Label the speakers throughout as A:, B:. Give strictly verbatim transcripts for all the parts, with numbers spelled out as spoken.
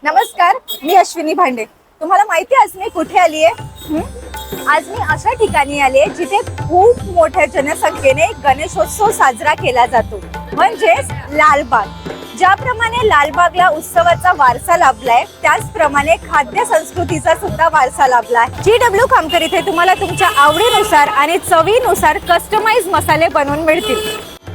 A: नमस्कार, मी अश्विनी भांडे. तुम्हाला माहिती आहे आज मी कुठे आली आहे? आज मी अशा ठिकाणी आली आहे जिथे खूप मोठ्या जनसंख्येने गणेशोत्सव साजरा केला जातो, म्हणजेच लालबाग. ज्याप्रमाणे लालबागला उत्सवाचा वारसा लाभलाय, त्याचप्रमाणे खाद्य संस्कृतीचा सुद्धा वारसा लाभलाय. जी डब्ल्यू खामकर इथे तुम्हाला तुमच्या आवडीनुसार आणि चवीनुसार कस्टमाइज मसाले बनवून मिळतील.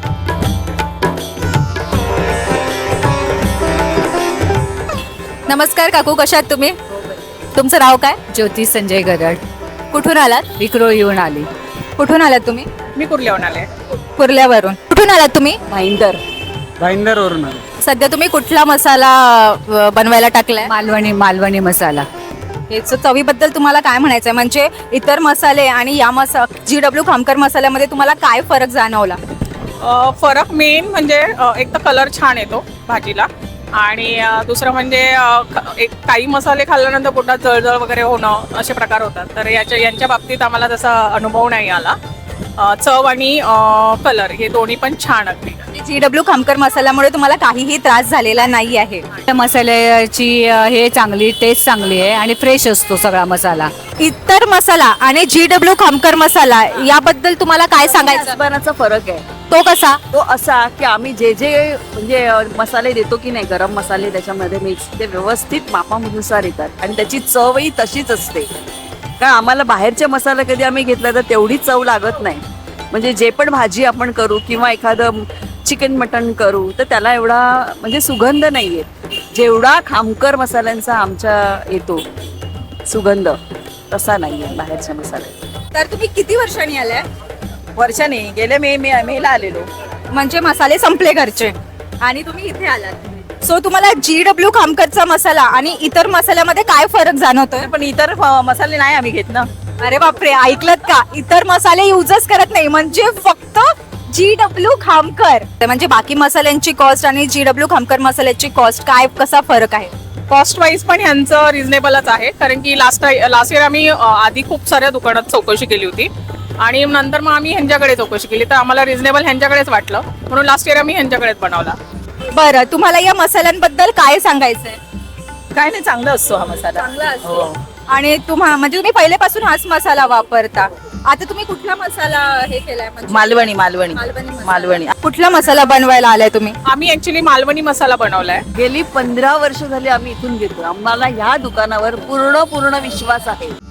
A: नमस्कार काकू, कशा आहात तुम्ही? तुमचं नाव काय?
B: ज्योती संजय गरड.
A: कुठून आलात?
B: विक्रोळ येऊन आली.
A: कुठून आलात तुम्ही?
C: मी कुर्ल्याहून आले.
A: कुर्ल्यावरून. कुठून आलात तुम्ही?
B: भाईंदर.
D: भाईंदरवरून आलो.
A: सध्या तुम्ही कुठला मसाला अ, बनवायला टाकलाय?
B: मालवणी मालवणी मसाला.
A: याचं चवीबद्दल तुम्हाला काय म्हणायचंय? म्हणजे इतर मसाले आणि या मसा जी डब्ल्यू खामकर मसाल्यामध्ये तुम्हाला काय फरक जाणवला?
C: अ, फरक मेन म्हणजे अ, एक तर कलर छान येतो भाजीला, आणि अ, दुसरं म्हणजे अ, ख- एक काही मसाले खाल्ल्यानंतर पोटात जळजळ वगैरे होणं असे प्रकार होतात. तर याच्या यांच्या बाबतीत आम्हाला तसा अनुभव नाही आला. अ, चव आणि कलर हे दोन्ही पण छान अगदी.
A: जी डब्ल्यू खामकर मसाल्यामुळे तुम्हाला काहीही त्रास झालेला नाही आहे.
B: त्या मसाल्याची अ, हे चांगली टेस्ट चांगली आहे आणि फ्रेश असतो सगळा मसाला.
A: इतर मसाला आणि जी डब्ल्यू खामकर मसाला याबद्दल तुम्हाला काय सांगायचं?
E: साबणाचा फरक आहे.
A: तो कसा?
E: तो असा की आम्ही जे जे म्हणजे अ, मसाले देतो की नाही, गरम मसाले त्याच्यामध्ये मिक्स, ते व्यवस्थित मापानुसार येतात आणि त्याची चवही तशीच असते. कारण आम्हाला बाहेरचे मसाले कधी आम्ही घेतला तर तेवढी चव लागत नाही. म्हणजे जे पण भाजी आपण करू किंवा एखादं चिकन मटण करू तर त्याला एवढा म्हणजे सुगंध नाही येत जेवढा खामकर मसाल्यांचा आमच्या येतो सुगंध, तसा नाही आहे बाहेरच्या मसाल्याचा.
A: तर तुम्ही किती वर्षांनी आलाय?
E: वर्षाने गेल्या मे मे मेला आलेलो.
A: म्हणजे मसाले संपले घरचे आणि तुम्ही इथे आलात. सो तुम्हाला जी डब्ल्यू खामकरचा मसाला आणि इतर मसाल्यामध्ये काय फरक जाणवतोय?
E: पण इतर अ, मसाले नाही आम्ही घेत ना.
A: अरे बापरे, ऐकलत का? इतर मसाले युजच करत नाही, म्हणजे फक्त जी डब्ल्यू खामकर. म्हणजे बाकी मसाल्यांची कॉस्ट आणि जी डब्ल्यू खामकर मसाल्याची कॉस्ट काय, कसा फरक आहे?
C: कॉस्ट वाईज पण ह्यांचं रिझनेबलच आहे, कारण की लास्ट लास्ट इयर आम्ही अ, आधी खूप साऱ्या दुकानात चौकशी केली होती आणि नंतर मग आम्ही ह्यांच्याकडे चौकशी केली, तर आम्हाला रिझनेबल ह्यांच्याकडेच वाटलं, म्हणून लास्ट इयर आम्ही ह्यांच्याकडेच बनवला.
A: बरं, तुम्हाला या मसाल्यांबद्दल काय सांगायचंय?
E: काय नाही, चांगला असतो हा मसाला.
A: चांगला असतो. आणि तुम्हा म्हणजे तुम्ही पहिल्यापासून हाच मसाला वापरता. आता तुम्ही कुठला मसाला हे केलाय? म्हणजे
E: मालवणी मालवणी
A: मालवणी मसाला.
E: मालवणी.
A: कुठला मसाला बनवायला आलाय तुम्ही?
C: आम्ही ऍक्च्युली मालवणी मसाला बनवलाय.
E: गेली पंधरा वर्ष झाली आम्ही इथून घेतो. आम्हाला ह्या दुकानावर पूर्ण पूर्ण विश्वास आहे.